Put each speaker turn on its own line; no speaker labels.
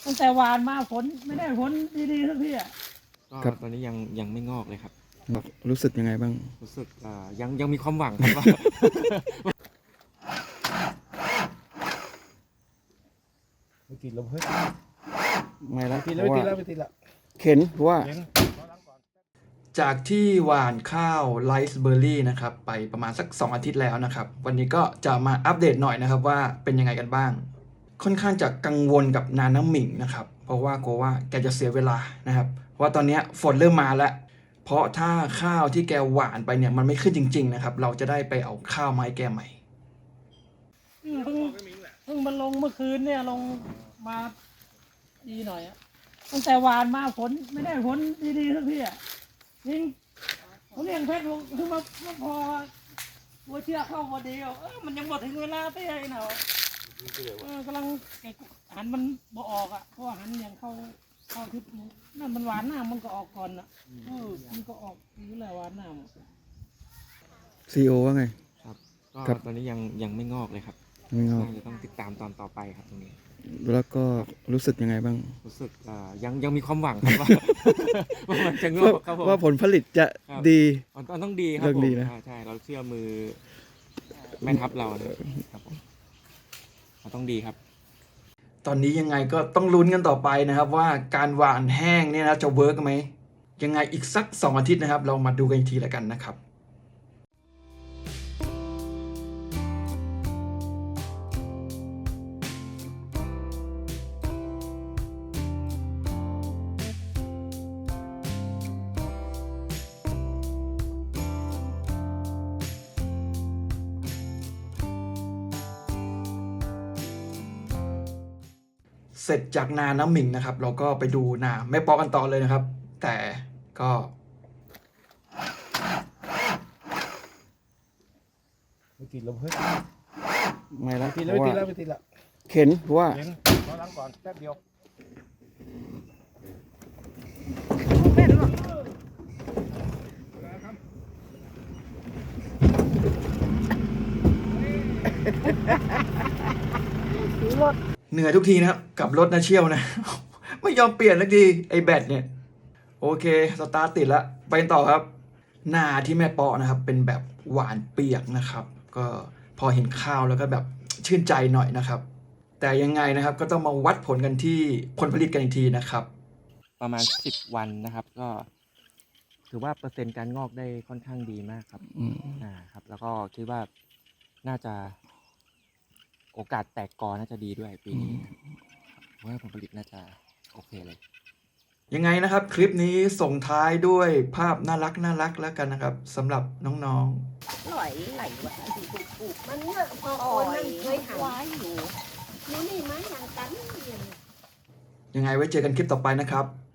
ตั้งแต่หวานมาผลไม่ได้ผลดีๆสักทีอ่ะ
ก็ตอนนี้ยังไม่งอกเลยครับ
รู้สึกยังไงบ้าง
รู้สึกยังมีความหวังครับว่า
ไม่ติดแล้วเฮ้ย
ไม่ละ
ไม่ติดแล้วไม่ติดแล้ว
เข็นเพราะว่า
จากที่หว่านข้าวไรซ์เบอร์รี่นะครับไปประมาณสัก2 อาทิตย์แล้วนะครับวันนี้ก็จะมาอัปเดตหน่อยนะครับว่าเป็นยังไงกันบ้างค่อนข้างจะกังวลกับนาน้ำหมิงนะครับเพราะว่ากลัวว่าแกจะเสียเวลานะครับเพราะว่าตอนนี้ฝนเริ่มมาแล้วเพราะถ้าข้าวที่แกหว่านไปเนี่ยมันไม่ขึ้นจริงๆนะครับเราจะได้ไปเอาข้าวไม้แกใหม่
เพิ่งมันลงเมื่อคืนเนี่ยลงมาดีหน่อยอ่ะตั้งแต่หวานมาผลไม่ได้ผลดีๆสักทีอ่ะจริงผมเลี้ยงเพชรคือมาพอวัวเชือกเข้าพอดีมันยังหมดถึงเวลาเต้ยเนาะกำลังหันมันบ่ออกอ่ะเพราะหันอย่างเข้าทิศนั่นมันหวานหน้ามันก็ออกก่อนอ่ะมันก็ออกอยู่แล้วหวานหน้า
ซีโอว่าไง
ครับ
ครั
ก็
บ
ตอนนี้ยังไม่งอกเลยครับ
ไม่งอก
น่าจะต้องติดตามตอนต่อไปครับตรงนี้
แล้วก็รู้สึกยังไงบ้าง
รู้สึกยังมีความหวังครับว่า ว่ามันจะงอกครับผม
ว่าผลผลิตจะ
ครับ
ดี
มันต้องดีครับ
เรื่อง
ผม
ดีนะ
ใช่เราเชื่อมือแม่ทัพเรานะครับผมมันต้องดีครับ
ตอนนี้ยังไงก็ต้องลุ้นกันต่อไปนะครับว่าการหว่านแห้งเนี่ยนะจะเวิร์กไหมยังไงอีกสัก2 อาทิตย์นะครับเรามาดูกันอีกทีแล้วกันนะครับเสร็จจากนาน้ำหมิงนะครับเราก็ไปดูนาแม่ปอกันต่อเลยนะครับแต่ก็
ไม่ติดแล้วเฮ้ย
ไม่ละ
ไม่ติดแล้วไม่ติดแล้วไม่ติดแล้ว
เข็นเพราะว่า
เห็นรอล้างก่อนแป๊บเดียว
เหนื่อยทุกทีนะครับกับรถนะเชี่ยวนะ ไม่ยอมเปลี่ยนสักทีไอ้แบตเนี่ยโอเคสตาร์ทติดแล้วไปต่อครับนาที่แม่ปอนะครับเป็นแบบหวานเปียกนะครับก็พอเห็นข้าวแล้วก็แบบชื่นใจหน่อยนะครับแต่ยังไงนะครับก็ต้องมาวัดผลกันที่ผลผลิตกันอีกทีนะครับ
ประมาณ10 วันนะครับ ก็ถือว่าเปอร์เซ็นต์การงอกได้ค่อนข้างดีมากครับครับ แล้วก็คิดว่าน่าจะโอกาสแตกกอน่าจะดีด้วยปีนี้เพราะว่าผลผลิตน่าจะโอเคเลย
ยังไงนะครับคลิปนี้ส่งท้ายด้วยภาพน่ารักแล้วกันนะครับสำหรับน้องๆ
ไหลว่าที่ถูกมันเนี่ยพอคนนั่งเคยหาอยู่นี่ไม้อย่างกัน
ยังไงไว้เจอกันคลิปต่อไปนะครับ